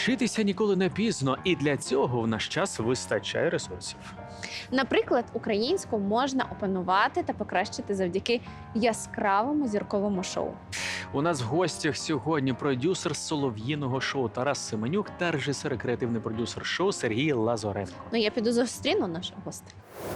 Вчитися ніколи не пізно, і для цього в наш час вистачає ресурсів. Наприклад, українську можна опанувати та покращити завдяки яскравому зірковому шоу. У нас в гостях сьогодні продюсер солов'їного шоу Тарас Семенюк та режисер і креативний продюсер шоу Сергій Лазоренко. Ну, я піду зустріну нашого гостя.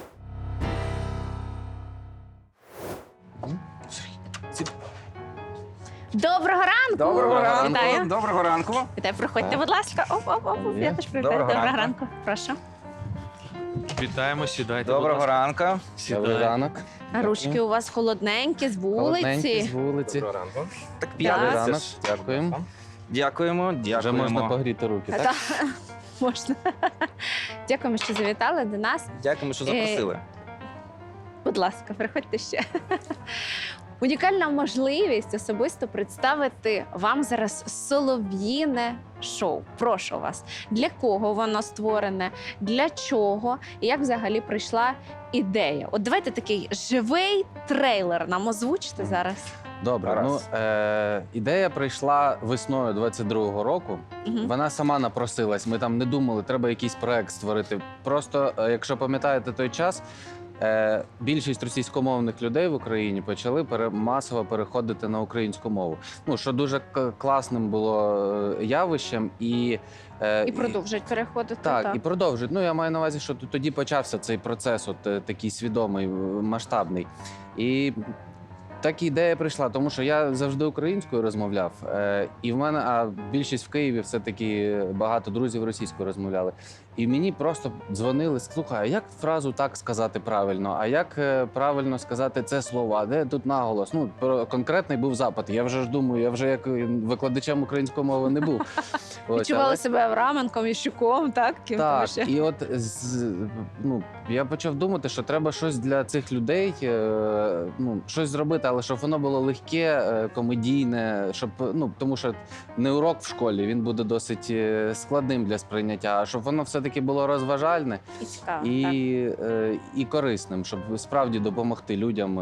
Доброго ранку! Доброго ранку. Вітаю. Доброго ранку. Вітаю, проходьте, будь ласка. Оп. Я теж привітаю. Доброго ранку. ранку. Прошу. Вітаємо, сідайте. Доброго будь ласка. ранку. Сідайте. ранок. Ручки у вас холодненькі, з Холодненький, вулиці. з вулиці. ранку. Так Добрий Так. ранок. Дякуємо. Дякуємо. Вже можна погріти руки, так? Та, можна. Дякуємо, що завітали до нас. Дякуємо, що запросили. Будь ласка, приходьте ще. Унікальна можливість особисто представити вам зараз солов'їне шоу. Прошу вас, для кого воно створене, для чого і як взагалі прийшла ідея? От давайте такий живий трейлер нам озвучите зараз. Добре. Раз. Ідея прийшла весною 22-го року. Мгм. Вона сама напросилась. Ми там не думали, треба якийсь проект створити. Просто, якщо пам'ятаєте той час, більшість російськомовних людей в Україні почали масово переходити на українську мову. Ну, що дуже класним було явищем. І продовжують переходити. Так, і продовжують. Ну, я маю на увазі, що тоді почався цей процес, такий свідомий, масштабний. І так ідея прийшла, тому що я завжди українською розмовляв. І в мене, а більшість в Києві все-таки багато друзів російською розмовляли. І мені просто дзвонили, слухай, а як фразу так сказати правильно? А як правильно сказати це слово? А де тут наголос? Ну, конкретний був запит. Я вже ж думаю, я вже як викладачем української мови не був. Відчували себе Авраменком і Щуком, так? Ким там Так, ще? і от я почав думати, що треба щось для цих людей, щось зробити, але щоб воно було легке, комедійне, щоб, тому що не урок в школі, він буде досить складним для сприйняття, а щоб воно все-таки було розважальне І цікаво, так. і корисним, щоб справді допомогти людям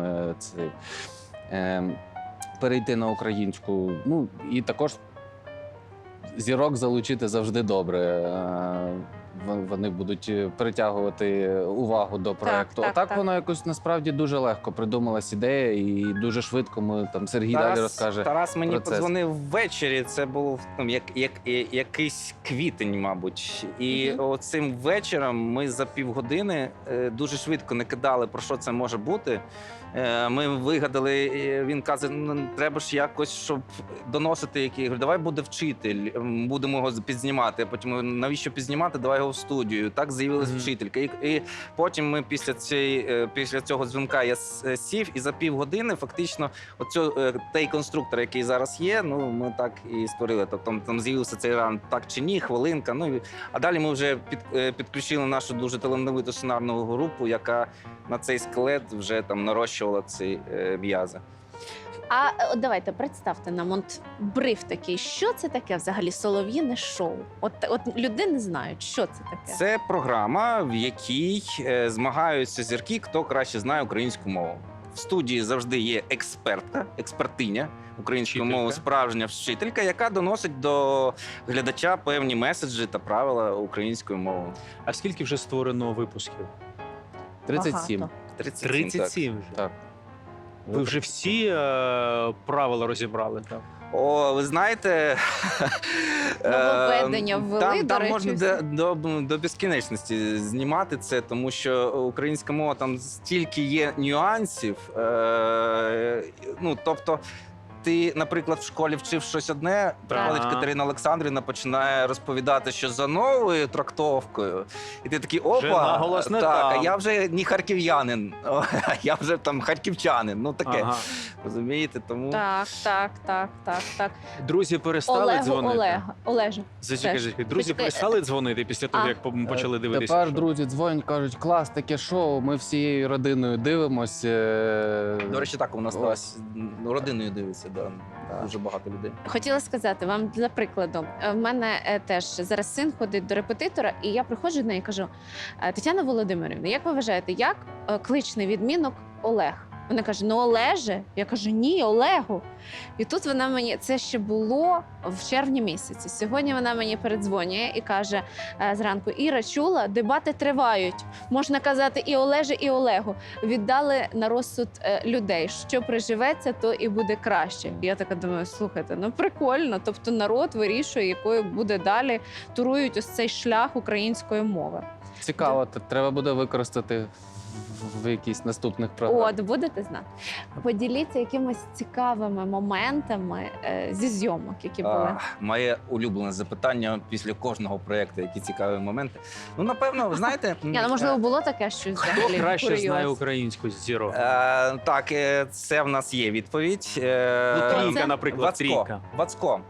перейти на українську. Ну, і також зірок залучити завжди добре. Вони будуть притягувати увагу до проекту. так, Отак так. воно якось насправді дуже легко придумалась ідея, і дуже швидко ми там Сергій далі розкаже. Тарас мені процес. подзвонив ввечері. Це був якийсь квітень, мабуть. І оцим вечором ми за півгодини дуже швидко не кидали, про що це може бути. Ми вигадали, він каже, треба ж якось, щоб доносити який. Я говорю, давай буде вчитель, будемо його підзнімати. Потім, навіщо підзнімати, давай його в студію. Так з'явилась вчителька. І потім ми після цього дзвінка я сів, і за півгодини фактично той конструктор, який зараз є, ми так і створили. Тобто там з'явився цей ран так чи ні, хвилинка. А далі ми вже підключили нашу дуже талановиту сценарну групу, яка на цей скелет вже там нарощувала ці м'язи. А от давайте представте нам бриф такий. Що це таке взагалі солов'їне шоу? От люди не знають, що це таке. Це програма, в якій змагаються зірки, хто краще знає українську мову. В студії завжди є експертиня української мови, справжня вчителька, яка доносить до глядача певні меседжі та правила української мови. А скільки вже створено випусків? 37. Багато. 37 вже. Так. Ви вже всі правила розібрали, так? О, ви знаєте, Нововведення ввели, до там речі, можна всі. до безкінечності знімати це, тому що українська мова там стільки є нюансів. Тобто, ти, наприклад, в школі вчив щось одне, приходить Катерина Олександрівна, починає розповідати, що за новою трактовкою. І ти такий, опа, Вже наголос не так, там. А я вже не харків'янин, я вже там харківчанин. Таке, розумієте? Тому... Так. Друзі перестали дзвонити? Олежу. Зачекай, друзі Почекай. перестали дзвонити після того, як почали дивитися? Тепер шоу? друзі дзвонять, кажуть, клас, таке шоу, ми всією родиною дивимось. До речі, так, у нас зараз родиною дивиться, дуже багато людей. Хотіла сказати вам для прикладу. В мене теж зараз син ходить до репетитора, і я приходжу до неї і кажу: Тетяна Володимирівна, як ви вважаєте, як кличний відмінок Олег? Вона каже: ну Олеже. Я кажу: ні, Олегу. І тут вона мені, це ще було в червні місяці. Сьогодні вона мені передзвонює і каже зранку: Іра, чула, дебати тривають. Можна казати і Олеже, і Олегу. Віддали на розсуд людей. Що приживеться, то і буде краще. Я така думаю, слухайте, ну прикольно. Тобто народ вирішує, якою буде далі, турують ось цей шлях української мови. Цікаво, треба буде використати в якісь наступних програмах. От, будете знати. Поділіться якимись цікавими моментами зі зйомок, які були. Моє улюблене запитання після кожного проєкту, які цікаві моменти. Ну, напевно, ви знаєте... Можливо, було таке щось Хто взагалі краще курйоз? знає українську з зірок? Так, це в нас є відповідь. Трійка, наприклад, Вацко. трійка. Вацко.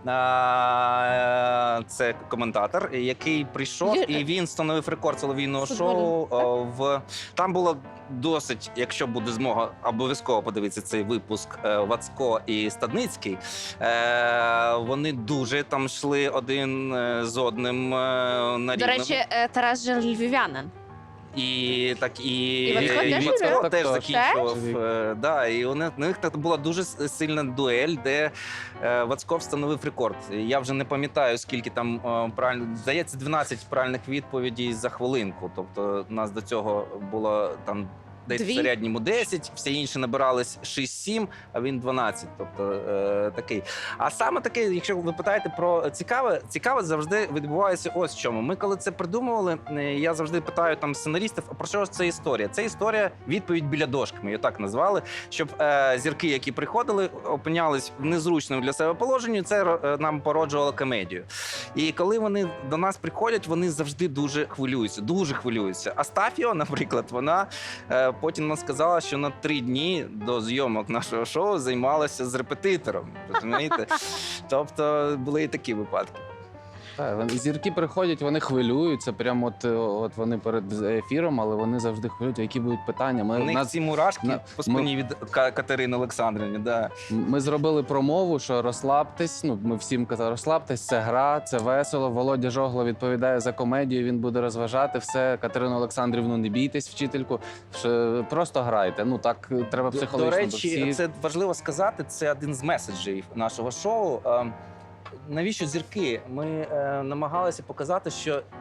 Це коментатор, який прийшов, і він встановив рекорд солов'їного шоу. Там було досить, якщо буде змога, обов'язково подивитися цей випуск, Вацко і Стадницький. Вони дуже там йшли один з одним на До рівному. речі, Тарас же львів'янин. І так І Вацко теж Вацко живе? теж Так, закінчував. так. Да, і у них так була дуже сильна дуель, де Вацко встановив рекорд. Я вже не пам'ятаю, скільки там правильно, здається, 12 правильних відповідей за хвилинку. Тобто у нас до цього було там десь Дві? в середньому 10, всі інші набирались 6-7, а він 12. Тобто такий. А саме таке, якщо ви питаєте про цікаве завжди відбувається ось в чому. Ми коли це придумували, я завжди питаю там сценаристів, а про що ж це історія? Це історія відповідь біля дошки, ми її так назвали, щоб зірки, які приходили, опинялись в незручному для себе положенні, це нам породжувало комедію. І коли вони до нас приходять, вони завжди дуже хвилюються. Астафіо, наприклад, вона потім нам сказала, що на 3 дні до зйомок нашого шоу займалася з репетитором. Розумієте? Тобто були і такі випадки. Так, зірки приходять, вони хвилюються, прямо от вони перед ефіром, але вони завжди хвилюються, які будуть питання. У них ці мурашки по спині від Катерини Олександрівни. Да. Ми зробили промову, що розслабтесь. Ну, ми всім казали, розслабтесь, це гра, це весело. Володя Жогло відповідає за комедію, він буде розважати все. Катерину Олександрівну, не бійтесь, вчительку, просто грайте. Ну так треба психологічно. До бо речі, всі... це важливо сказати, це один з меседжів нашого шоу. Навіщо зірки? Ми намагалися показати,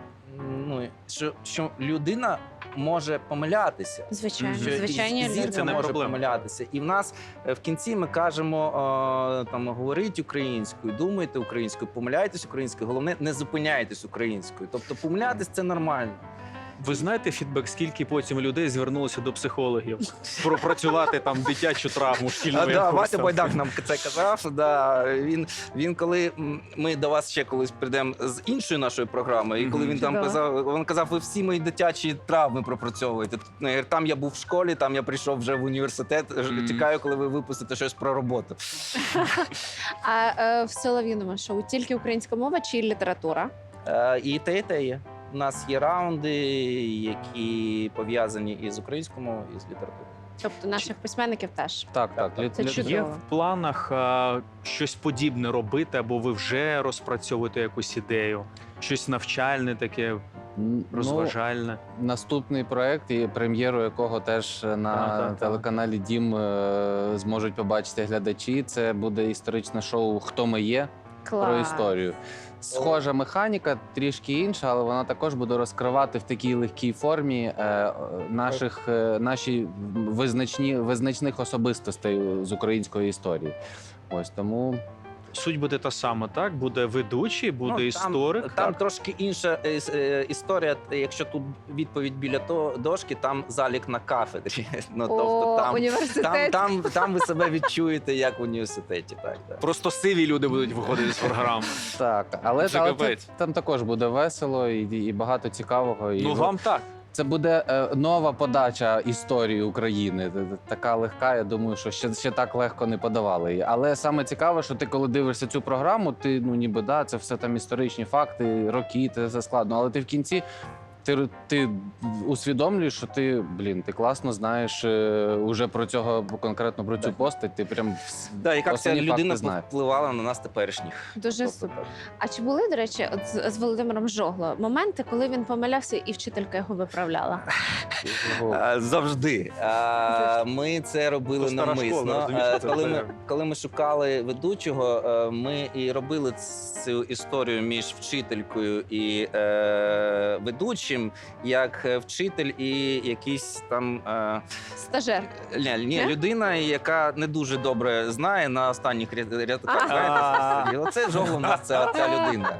що людина може помилятися. Звичайно, Що звичайні і люди. зірка Це не може проблема. помилятися. І в нас в кінці ми кажемо, там, говоріть українською, думайте українською, помиляйтесь українською, головне, не зупиняйтесь українською. Тобто помилятись – це нормально. Ви знаєте фідбек, скільки потім людей звернулося до психологів пропрацювати там дитячу травму шкільного Да, якогось Вася там? Байдак нам це казав. Да. Він коли ми до вас ще колись прийдемо з іншою нашою програмою, і коли він там казав, ви всі мої дитячі травми пропрацьовуєте. Там я був в школі, там я прийшов вже в університет. Чекаю, коли ви випустите щось про роботу. А в Солов'їному шоу тільки українська мова чи література? І те є. У нас є раунди, які пов'язані із українською мовою, і з літературою. Тобто наших письменників теж. Так. Це чудово. Є в планах щось подібне робити, або ви вже розпрацьовуєте якусь ідею? Щось навчальне таке, розважальне? Наступний проект, і прем'єру якого теж на так. телеканалі Дім зможуть побачити глядачі. Це буде історичне шоу «Хто ми є?» Клас. про історію. Схожа механіка, трішки інша, але вона також буде розкривати в такій легкій формі наші визначних особистостей з української історії. Ось тому Суть буде та сама, так? Буде ведучий, буде історик. Там так? трошки інша історія. Якщо тут відповідь біля дошки, там залік на кафедрі. Тобто університет. там ви себе відчуєте як в університеті. Так. Просто сиві люди будуть виходити з програми. так, але Це капець. там також буде весело і багато цікавого. І Ну вам так. це буде нова подача історії України. Така легка. Я думаю, що ще так легко не подавали її. Але саме цікаве, що ти, коли дивишся цю програму, ти ніби це все там історичні факти, роки, це все складно. Але ти в кінці ти усвідомлюєш, що ти класно знаєш уже про цього, конкретно про цю Так. постать, ти прям Да, яка ця основні факти людина знаєш. впливала на нас теперішніх. Дуже Тобто, супер. А чи були, до речі, от з Володимиром Жогло моменти, коли він помилявся і вчителька його виправляла? Завжди. Ми це робили То стара школа, навмисно. розумієш, це Коли ми шукали ведучого, ми і робили цю історію між вчителькою і ведучим, як вчитель і якийсь там Стажер. ні, людина, яка не дуже добре знає на останніх рядках. А. І оце Жогло у нас ця людина.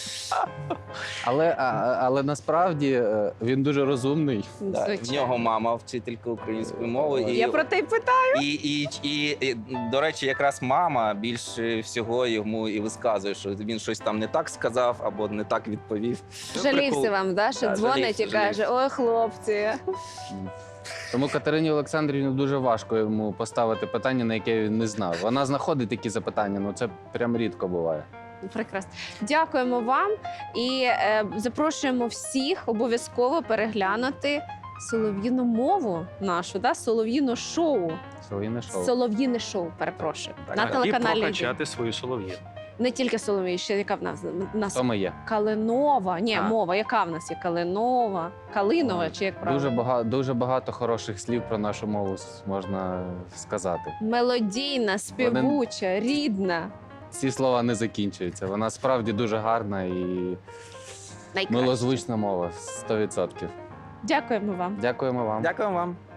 Але насправді він дуже розумний. Да, в Звичайно. нього мама вчителька української мови. Я про те й питаю. І, до речі, якраз мама більше всього йому і висказує, що він щось там не так сказав або не так відповів. Жалівся вам, да, що Да, дзвонить і жалівся. каже: ой, хлопці. Тому Катерині Олександрівні дуже важко йому поставити питання, на яке він не знав. Вона знаходить такі запитання, ну це прям рідко буває. Прекрасно. Дякуємо вам і запрошуємо всіх обов'язково переглянути солов'їну мову нашу, да? Солов'їну шоу. Солов'їне шоу. Солов'їне шоу, перепрошую. На І телеканалі «Один». прокачати свою солов'їну. Не тільки Солов'ї, ще яка в нас Хто ми є? Калинова. Ні, А. мова. Яка в нас є? Калинова, Калинова, чи як правильно? Дуже багато хороших слів про нашу мову можна сказати. Мелодійна, співуча, рідна. Ці слова не закінчуються. Вона справді дуже гарна і Найкраща. милозвучна мова 100%. Дякуємо вам. Дякуємо вам. Дякую вам.